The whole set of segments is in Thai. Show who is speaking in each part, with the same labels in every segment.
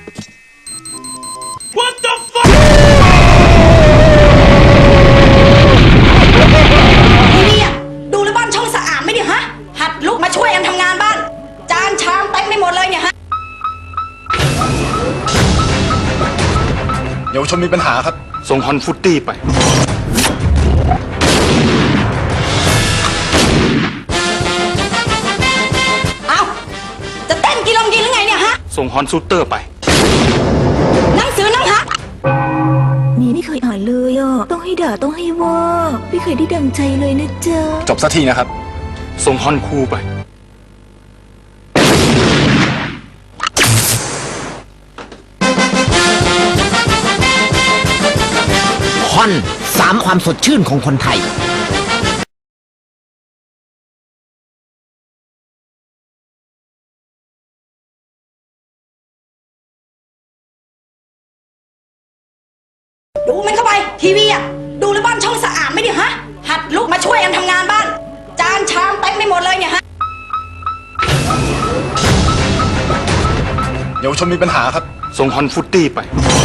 Speaker 1: What the fuck
Speaker 2: นี่อะดูแลบ้านช่องสะอาดไหมเนี่ยฮะหัดลุกมาช่วยกันทำงานบ้านจานชามเต็มไปหมดเลยเนี่ยฮะ
Speaker 3: เยาวชนมีปัญหาครับ
Speaker 4: ส่งฮอนฟุตตี้ไป
Speaker 2: เอ้าจะเต้นกินลมกินหรือไงเนี่ยฮะ
Speaker 4: ส่งฮอนซูเตอร์ไป
Speaker 2: หนังสือหนังฮะ
Speaker 5: นี่ไม่เคยอ่านเลยอ่ะต้องให้ด่าต้องให้ว่าไม่เคยได้ดังใจเลยนะจ๊ะ
Speaker 3: จบสักทีนะครับ
Speaker 4: ส่งฮอนคูไป
Speaker 6: ฮอน3ความสดชื่นของคนไทย
Speaker 2: ดูมันเข้าไปทีวีอะดูแลบ้านช่องสะอาดไหมเนี่ยฮะหัดลุกมาช่วยกันทำงานบ้านจานชามเต็มไปหมดเลยเนี่ยฮะ
Speaker 3: เยาวชนมีปัญหาครับ
Speaker 4: ส่งฮอนฟุตตี้ไป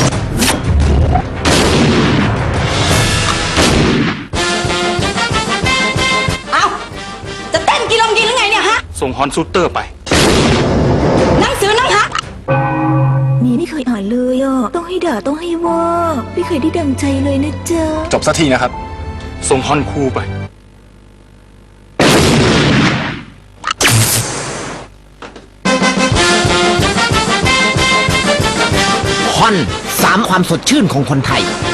Speaker 2: เอ้าจะเต้นกินลมกินหรือไงเนี่ยฮะ
Speaker 4: ส่งฮอนซูเตอร์ไป
Speaker 2: หนังสือหนังฮะ
Speaker 5: นี่ไม่เคยอ่านเลยอ่ะต้องให้ด่าต้องให้ว่าไม่เคยได้ดังใจเลยนะจ๊ะ
Speaker 3: จบสักทีนะครับ
Speaker 4: ส่งฮอนคูไป
Speaker 6: ฮอน3ความสดชื่นของคนไทย